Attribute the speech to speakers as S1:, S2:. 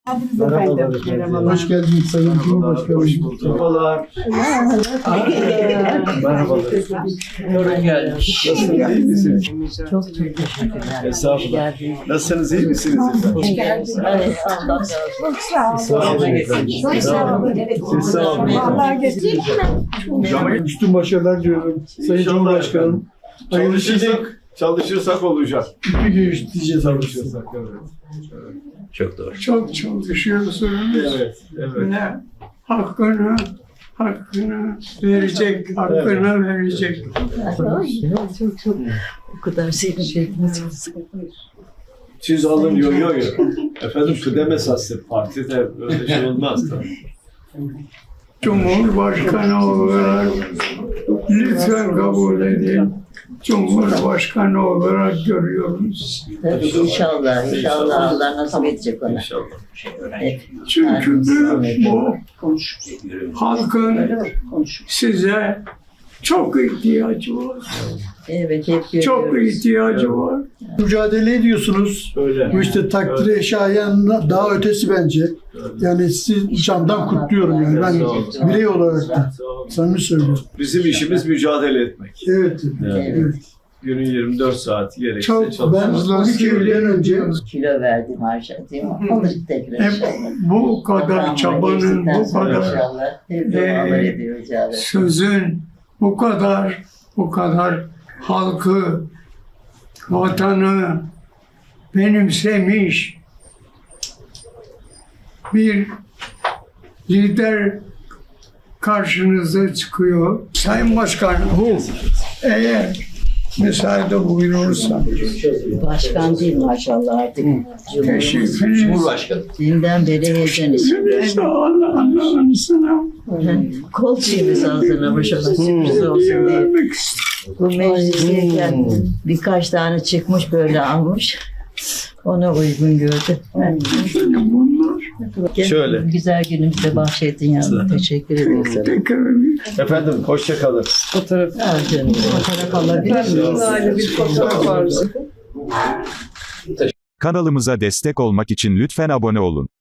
S1: Hoş geldiniz Sayın Cumhurbaşkanı.
S2: Hoş bulduk. Merhabalar. Merhabalar. Yorun gelmiş. Nasılsınız, iyi misiniz?
S3: Çok teşekkürler.
S2: Estağfurullah. Nasılsınız, iyi misiniz efendim?
S3: Hoş geldiniz. Evet, Allah razı olsun.
S2: Sağ olun efendim.
S3: Çok sağ olun.
S2: Siz sağ olun.
S1: Üstün başarılar diliyorum Sayın Cumhurbaşkanım.
S2: Çalışırsak olacak.
S1: Bir gün diyeceğiz abi.
S2: Çalışırsak, evet. Çok doğru.
S4: Çok çalışıyorsunuz.
S2: Evet, evet.
S4: Ne? Hakkını verecek, hakkını verecek.
S3: Çok o kadar sevinçlerdiniz.
S2: Siz alın yo. Efendim kıdem esaslı partide öyle şey olmaz tabii.
S4: Cumhurbaşkanı olarak lütfen kabul edin. Cumhurbaşkanı olarak görüyoruz.
S3: Tabii inşallah Allah nasip edecek ona.
S2: İnşallah.
S3: Evet.
S4: Çünkü bu halkın size çok ihtiyacı var.
S3: Evet, hep
S4: Çok
S3: görüyoruz.
S4: ihtiyacı var.
S1: Mücadele ediyorsunuz.
S2: Öyle.
S1: Bu işte takdire şayan daha ötesi bence. Yani sizi candan kutluyorum yani. Ben birey olarak da
S2: Sağ olun.
S1: samimi söylüyorum.
S2: Bizim işimiz mücadele etmek.
S1: Evet.
S2: Yani
S1: Evet.
S2: günün 24 saati gerekse
S4: Çok
S1: Ben
S2: çalışıyoruz.
S1: 12 yıldan önce
S3: Kilo verdim harca değil mi? Alır tekrar
S4: Hep
S3: inşallah.
S4: bu kadar çabanın, bu kadar
S3: İnşallah. Hep dualar ediyoruz ya.
S4: sözün, bu kadar halkı, vatanı benimsemiş bir lider karşınıza çıkıyor. Sayın Başkanım, eğer müsaade buyurursa
S3: Başkan değil maşallah artık.
S4: teşrifiniz
S3: Dünden beri heyecan içinde.
S4: neyse Allah'ın sana
S3: Kol çiğimiz ağzına başına sürpriz olsun diye.
S4: vermek istiyorum.
S3: Bu meclisteyken birkaç tane çıkmış böyle almış. Ona uygun gördü.
S4: Bunlar
S2: Şöyle.
S3: Güzel günümüzde bahşettin yavrum. Teşekkür ederim sana.
S4: tekrar
S2: Efendim hoşça kalın.
S3: Al canım. Fotoğraf alabilir miyiz?
S5: Kanalımıza destek olmak için lütfen abone olun.